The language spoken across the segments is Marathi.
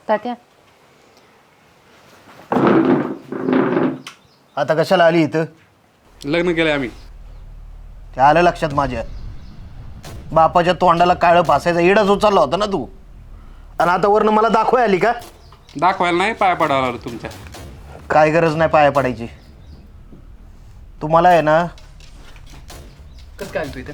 तात्या आता कशाला आली इथं? लग्न केलंय आम्ही. ते आलं लक्षात माझ्या. बापाच्या तोंडाला काळं फासायचा इडाच उचलला होता ना तू, आणि आता वरनं मला दाखवाय आली का? दाखवायला नाही, पाया पडायला आलो तुमच्या. काय गरज नाही पाया पडायची. तुम्हाला आहे ना कसं काय तू इथं?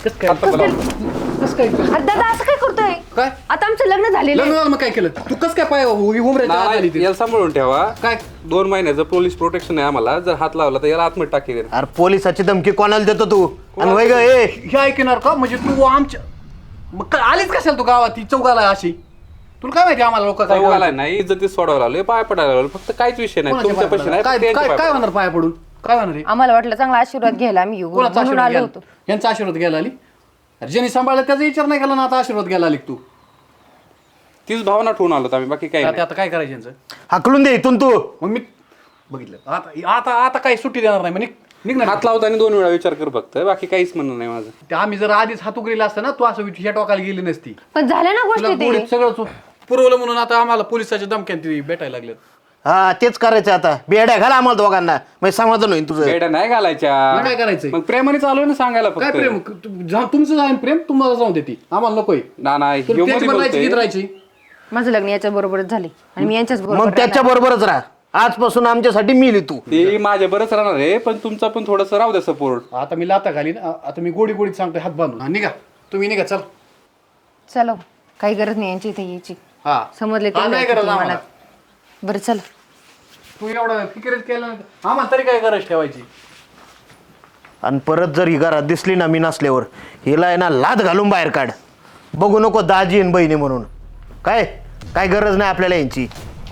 दादा असं काय करतोय? काय आता आमचं लग्न झालेलं लग्न आहे. झालं मग काय केलं तू? कसं काय पाय उमऱ्याच्या आत आली ती? याला सांभाळून ठेवा. काय 2 महिन्याचं पोलीस प्रोटेक्शन आहे आम्हाला. जर हात लावला तर याला आतमध्ये टाकी. अरे पोलिसाची धमकी कोणाला देतो तू? आणि वय ग ए हे ऐकणार का? म्हणजे तू आमच्या मग आलीच कशाला तू गावात ती चौकाला अशी? तुला काय माहिती आम्हाला लोक काय चौघाला नाही, इज्जतीत सोडायला आलोय, पाया पडायला आलो. फक्त काहीच विषय नाही, तुमच्या पैसे नाही, काय फक्त यांचे काय पाय काय पडा. होणार पाया पडून? काय होणार आहे? आम्हाला वाटलं चांगला आशीर्वाद घ्यायला आम्ही येऊ कोणाचा म्हणून आशीर्वाद आलो घ्यायला? होतो. यांचा आशीर्वाद घ्यायला आली? अरे ज्यांनी सांभाळलं त्याचा विचार नाही केला ना, आता आशीर्वाद घ्यायला आली तू? तीच भावना ठेवून आलो आम्ही, बाकी काही नाही. आता काय करायचं यांचं? हाकलून दे इथून तू. मग मी बघितलं आता आता आता काही सुट्टी देणार नाही. म्हणजे निघणार हात लावताना 2 वेळा विचार कर फक्त, बाकी काहीच म्हणणं नाही माझं. ते आम्ही जर आधीच हात उघडीला असतं ना, तू असं ह्या टोकाला गेली नसती. पण झाल्या ना तुला गोष्टी गोडीत ते. सगळं पुरवलं म्हणून आता आम्हाला पोलिसाच्या धमक्यात ती भेटायला लागल्यात. हा तेच करायचं आता. बेड्या घाला आम्हाला दोघांना, म्हणजे समाधान होईल तुझं. बेड्या नाही घालायच्या. मग काय करायचंय? मग प्रेमाने चालू ना सांगायला काय फक्त. प्रेम तुमचं जाईन प्रेम तुम्हाला जाऊन देते, आम्हाला नकोय. ना नाही, ह्यो मध्ये त्याच्यावर राहायची बोलतोय. गीत राहायची. माझं लग्न याच्या बरोबरच झाले आणि मी यांच्याच मग बरोबर त्याच्या बरोबरच राहा. आजपासून आमच्यासाठी मिली तू. ते माझ्या बरंच राहणार आहे, पण तुमचा पण थोडस राहू द्या सपोर्ट. आता मी लाता घालीन. आता मी गोडी गोडीत सांगतोय हात बांधून. हा, निघा तुम्ही निघा. चल चलो, काही गरज नाही यांची इथे यायची. हा समजले हा, नाही गरज आम्हाला. बरं चला. तू एवढं फिकिरच केलं नाही तर आम्हाला तरी काय गरज ठेवायची? आणि परत जर ही घरात दिसली ना मी नसल्यावर, हिला आहे ना लाद घालून बाहेर काढ. बघू नको दाजी आणि बहिणी म्हणून. काय काय गरज नाही आपल्याला यांची.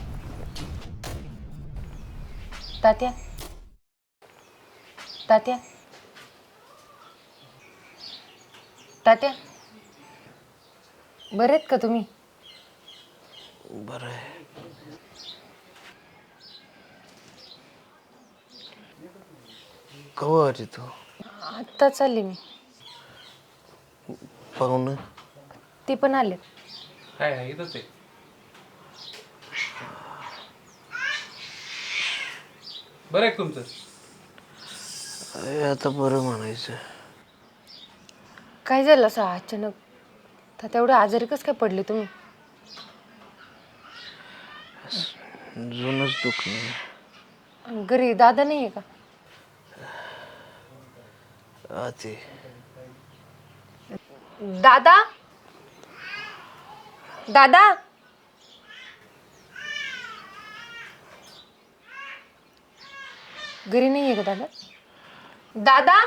तात्या तात्या तात्या बरे आहेत का तुम्ही? बरं आहे. कवा आली तू? आत्ता चालली मी. पाहून ते पण आले. काय इथंच आहे. बरं आहे तुमचं? आता बरं म्हणायचं. काय झालं असं अचानक? तात्या एवढे आजारी कसं काय पडले तुम्ही? जुनच दुखणं. घरी दादा नाही आहे का? ते दादा दादा घरी नाही आहे का दादा? दादा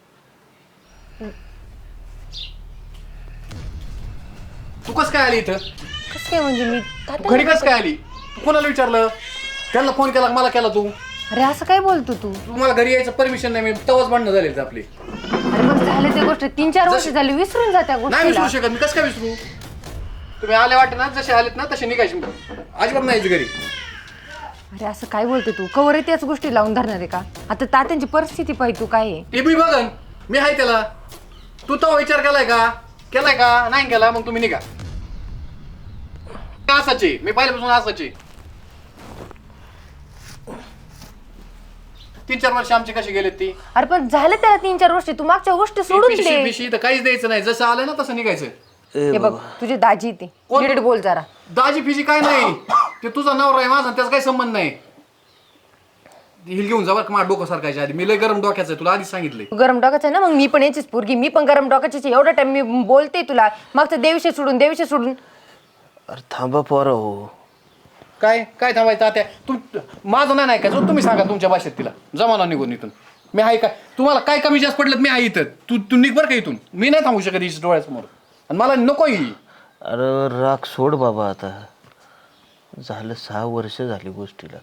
तू कसं काय आली इथं? कसं काय म्हणजे मी घरी कसं काय आली? तू कोणाला विचारलं? त्यांना फोन केला मला केला तू? अरे असं काय बोलतो तू? तुम्हाला घरी यायचं परमिशन नाही. मी तवाच भांडणं झाले आपले. अरे मग झाले त्या गोष्टी 3-4 वर्ष झाली, विसरून जा त्या नाही विसरू गोष्टीला. शकत मी. कसं काय विसरू? तुम्ही आले वाटत ना, जसे आलेत ना तसे निघायचे. अजिबात नाही यायचं घरी. अरे असं काय बोलतो तू? कवर त्याच गोष्टी लावून धरणार आहे का? आता तात्यांची परिस्थिती पाहिजे तू काय आहे. ते मी बघन. मी आहे त्याला. तू तो विचार केलाय का? केलाय का? नाही केला मग तुम्ही निघा. असाचे मी पहिल्यापासून असाचे. 3-4 वर्ष आमची कशी गेलेत ती? अरे पण झालं त्याला 3-4 वर्ष, तू मागच्या गोष्टी सोडून दे. पिशी तर काहीच द्यायचं नाही. जसं आलं ना तसं निघायचं. हे बघ तुझे दाजी ते कोण? नीट बोल जरा. दाजी फिजी काय नाही. ते तुझा नवरा आहे माझा, त्याचा काही संबंध नाही. हिल घेऊन जा बरं का, माझं डोकं सारखायच्या आधी. मी लय गरम डोक्याचं आहे, तुला आधीच सांगितलंय. तू गरम डोकाच आहे ना, मग मी पण याचीच पोरगी, मी पण गरम डोकाचीच आहे. एवढा टाइम मी बोलते तुला, मागचं देविषय सोडून देविषय सोडून. अरे थांबा पोरं हो. काय काय थांबायचं आता? तू माझं नाही का? जो तुम्ही सांगा तुमच्या भाषेत तिला. जमाना निघून इथून. मी आहे काय? तुम्हाला काय कमी जास्त पडलं मी आहे इथं. तू निघ बरं का इथून. मी नाही थांबू शकत इथे डोळ्यासमोर. आणि मला नको ही. अरे राग सोड बाबा आता. झालं 6 वर्ष झाली गोष्टीला.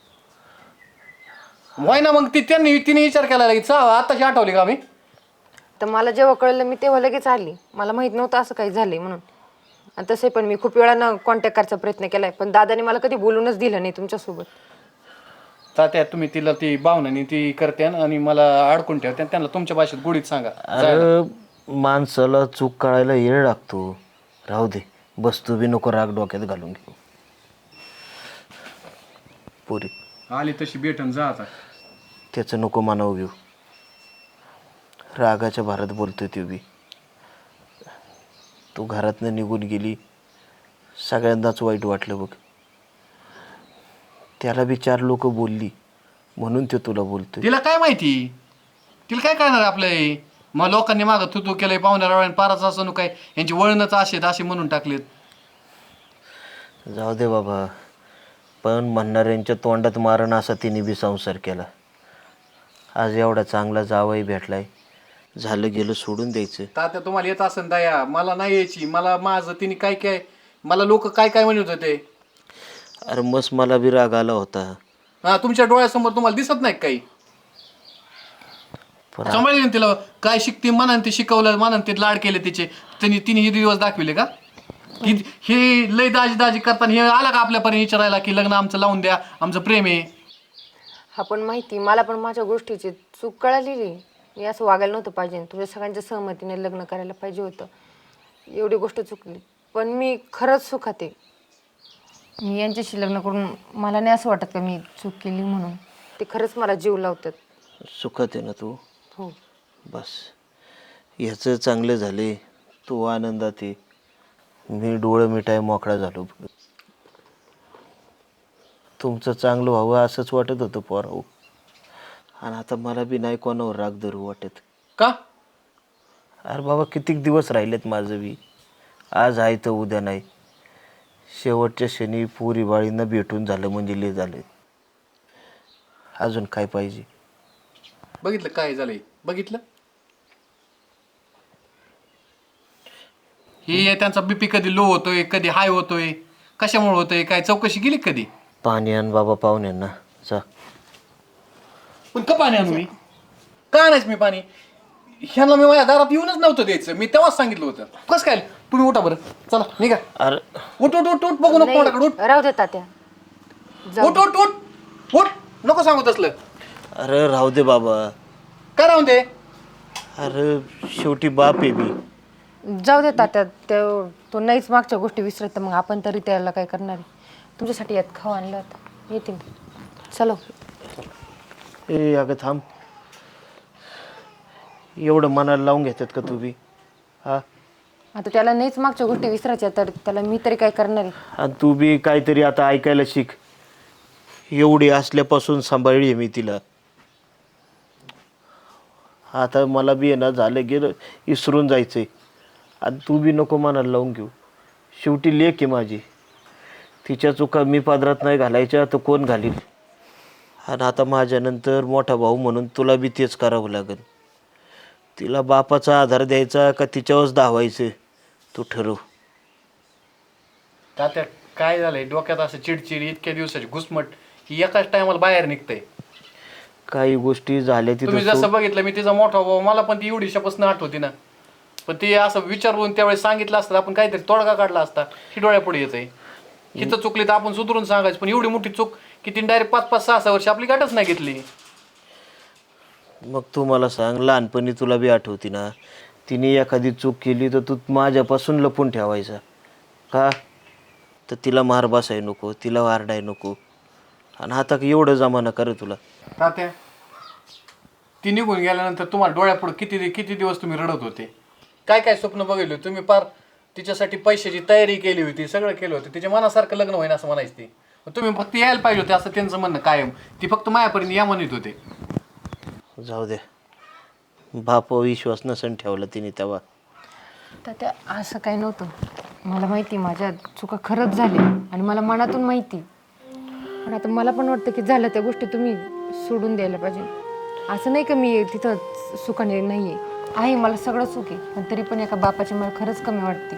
व्हाय ना मग तिने विचार केला की आताशी आठवली का मी? तर मला जेव्हा कळलं मी तेव्हा लगेच आली. मला माहित नव्हतं असं काही झालंय म्हणून. आणि तसे पण मी खूप वेळानं कॉन्टॅक्ट करायचा प्रयत्न केलाय, पण दादाने मला कधी बोलूनच दिलं नाही तुमच्यासोबत. तात्या तुम्ही तिला ती भावनाने ती करते आणि मला अडकून ठेवते. त्यांना तुमच्या भाषेत गोडीत सांगा. अरे माणसाला चूक कळायला येळ लागतो. राहू दे, बस तू बी नको राग डोक्यात घालून घेऊ. पोरी. आली तशी भेटन जा आता. त्याचं नको मानावं घेऊ. रागाच्या भारत बोलतोय ते बी. तू घरातनं निघून गेली, सगळ्यांनाच वाईट वाटलं बघ. त्याला बी 4 लोक बोलली म्हणून ते तुला बोलतोय. तिला काय माहिती, तिला काय कळणार आपलं हे? मग लोकांनी मागं तू केलंय पाहुण्या रावळ्यानं पाराच असं काय यांची वळणच असे म्हणून टाकलेत. जाऊ दे बाबा, पण म्हणणाऱ्यांच्या तोंडात मारण असा तिने बी संसार केला. आज एवढा चांगला जावई भेटलाय, झालं गेलं सोडून द्यायचं. तात्या तुम्हाला येत असेल दया, मला नाही यायची. मला माझं तिने काय काय, मला लोक काय काय म्हणत होते. अरे मस्त मला बी राग आला होता. हा, तुमच्या डोळ्यासमोर तुम्हाला दिसत नाही काही. पण सांभाळले तिला, काय शिकते मनाने ते शिकवलं, मनाने ते लाड केले तिचे. तिने हे दिवस दाखविले का की हे लय दाजी दाजी करताना हे आला का आपल्यापर्यंत विचारायला की लग्न आमचं लावून द्या, आमचं प्रेम आहे. हा पण माहिती, मला पण माझ्या गोष्टीची चूक कळालेली. मी असं वागायला नव्हतं पाहिजे. तुझ्या सगळ्यांच्या सहमतीने लग्न करायला पाहिजे होतं. एवढी गोष्ट चुकली, पण मी खरंच सुखात आहे. मी यांच्याशी लग्न करून मला नाही असं वाटत का मी चूक केली म्हणून. ते खरंच मला जीव लावतात. सुखात आहे ना तू? हो. बस ह्याचं चांगलं झाले, तू आनंदात आहे. मी डोळं मिठाय मोकळा झालो. तुमचं चांगलं व्हावं असंच वाटत होतं पोराव. आणि आता मला बी नाही कोणावर राग धरू वाटत. का? अरे बाबा, कितीक दिवस राहिलेत माझं बी. आज आहे तर उद्या नाही. शेवटच्या शनी पुरी बाळीनं भेटून झालं म्हणजे लय झालं. अजून काय पाहिजे? बघितलं काय झालंय, बघितलं हे त्यांचा बीपी कधी लो होतोय, कधी हाय होतोय, कशामुळे होतोय, काय चौकशी केली कधी? पाणी आण बाबा पाहुण्यांना जा. पण का पाणी आणू मी? का आणायच मी पाणी? ह्यांना मी माझ्या दारात येऊनच नव्हतं द्यायचं. मी तेव्हाच सांगितलं होतं. कसं काय? तुम्ही उठा बरं, चला निघा. अरे उठ उठ उठ उठ, बघू नको कोणाकडे. उठ राहू दे तात्या. उठ उठ उठ उठ, नको सांगू तसलं. अरे राहू दे बाबा. काय राहून दे? अरे शेवटी बाप आहे मी. जाऊ दे तात्या. तो नाहीच मागच्या गोष्टी विसरत, तर मग आपण तरी त्याला काय करणार आहे. तुमच्यासाठी यात खाऊ आणलं होतं, येतील. चलो. ए अगं थांब. एवढं मनाला लावून घेतात का तू बी? हा, आता त्याला नाहीच मागच्या गोष्टी विसरायच्या, तर त्याला मी तरी काय करणार आहे. आणि तू बी काहीतरी आता ऐकायला शिक. एवढी असल्यापासून सांभाळली आहे मी तिला. आता मला बी आहे ना, झालं गेलं विसरून जायचंय. आणि तू बी नको मनाला लावून घेऊ. शेवटी लेक आहे माझी. तिच्या चुका मी पदरात नाही घालायच्या तर कोण घालील? आणि आता माझ्यानंतर मोठा भाऊ म्हणून तुला बी तेच करावं लागेल. तिला बापाचा आधार द्यायचा का तिच्यावरच धावायचं तू ठरव. तात्या काय झालंय डोक्यात, असं चिडचिड, इतक्या दिवसाची घुसमट ही एकाच टायमाला बाहेर निघतंय. काही गोष्टी झाल्या तुम्ही तिथं जसं बघितलं, मी तिचा मोठा भाऊ, मला पण ती एवढी शपथ आठवती ना. पण ती असं विचारून त्यावेळेस सांगितलं असतं, आपण काहीतरी तोडगा काढला असता. ही डोळ्यापुढे येतंय. हिथं चुकली तर आपण सुधरून सांगायचं. पण एवढी मोठी चूक की तिने डायरेक्ट 5-5, 6-6 वर्ष आपली गाठच नाही घेतली. मग तू मला सांग, लहानपणी तुला बी आठवती ना, तिने एखादी चूक केली तर तू माझ्यापासून लपून ठेवायचा का? तर तिला मार बसाय नको, तिला वारडाय नको. आणि आता एवढं जमाना कर तुला. तात्या ती निघून गेल्यानंतर तुम्हाला डोळ्यापुढे किती किती दिवस तुम्ही रडत होते. काय काय स्वप्न बघितले तुम्ही. पार तिच्यासाठी पैशाची तयारी केली होती, सगळं केलं होतं. तिच्या मनासारखं लग्न होईन असं म्हणायचं ते. तुम्ही फक्त यायला पाहिजे होते असं त्यांचं म्हणणं कायम. ती फक्त मायापर्यंत या म्हणत होते. जाऊ दे, बाप विश्वास नसन ठेवला तिने तेव्हा. तात्या असं काही नव्हतं. मला माहिती माझ्या चुका खरंच झाल्या आणि मला मनातून माहिती. पण आता मला पण वाटतं की झालं त्या गोष्टी तुम्ही सोडून द्यायला पाहिजे. असं नाही का मी तिथं सुखाने नाही आहे, मला सगळं सुख आहे. पण तरी पण एका बापाची मला खरंच कमी वाटते.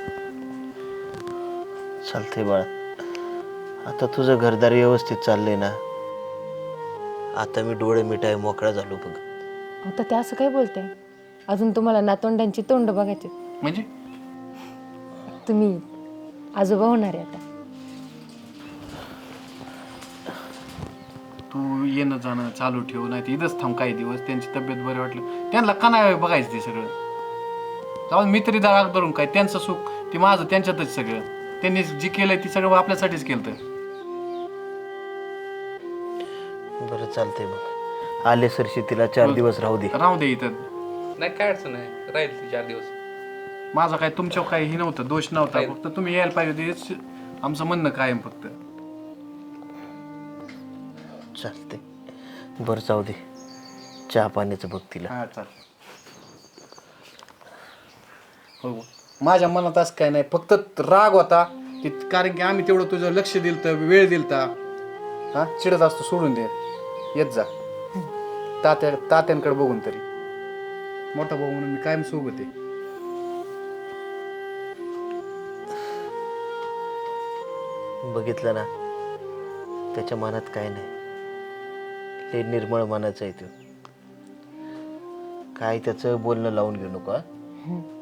चालतंय बाळा, आता तुझं घरदार व्यवस्थित चाललंय ना. आता मी डोळे मिठाय मोकळा झालो बघ. आता ते असं काय बोलते? अजून तुम्हाला नातवंडांची तोंड बघायचे. म्हणजे तुम्ही आजोबा होणार आहे आता. तू येणं जाणं चालू ठेव, नाही तर इथंच थांब काही दिवस. त्यांची तब्येत बरी वाटलं त्यांना का नाही बघायचं ते सगळं. जाऊन मी तरी दारात धरून काय, त्यांचं सुख ते माझं त्यांच्यातच सगळं. त्यांनी जे केलंय ते सगळं आपल्यासाठीच केलं. बरं चालतंय मग आले सरशी तिला 4 दिवस राहू दे. राहू दे इथं. नाही काय अडचण नाही, राहील ती 4 दिवस. माझा काय तुमच्यावर काही हे नव्हतं, दोष नव्हता, फक्त तुम्ही यायला पाहिजे होते हेच आमचं म्हणणं कायम फक्त. चालते बरं जाऊ दे, चहा पाण्याचं बघ तिला. हा चाल. हो माझ्या मनात असं काय नाही, फक्त राग होता की कारण की आम्ही तेवढं तुझं लक्ष दिलं तर वेळ दिलता. हा चिडत असतो सोडून दे, येत जा तात्यांकडे बघून तरी. मोठा भाऊ म्हणून मी कायम सोबत आहे. बघितलं ना त्याच्या मनात काय नाही, ते निर्मळ मनाचं आहे तो. काय त्याचं बोलणं लावून घेऊ नको.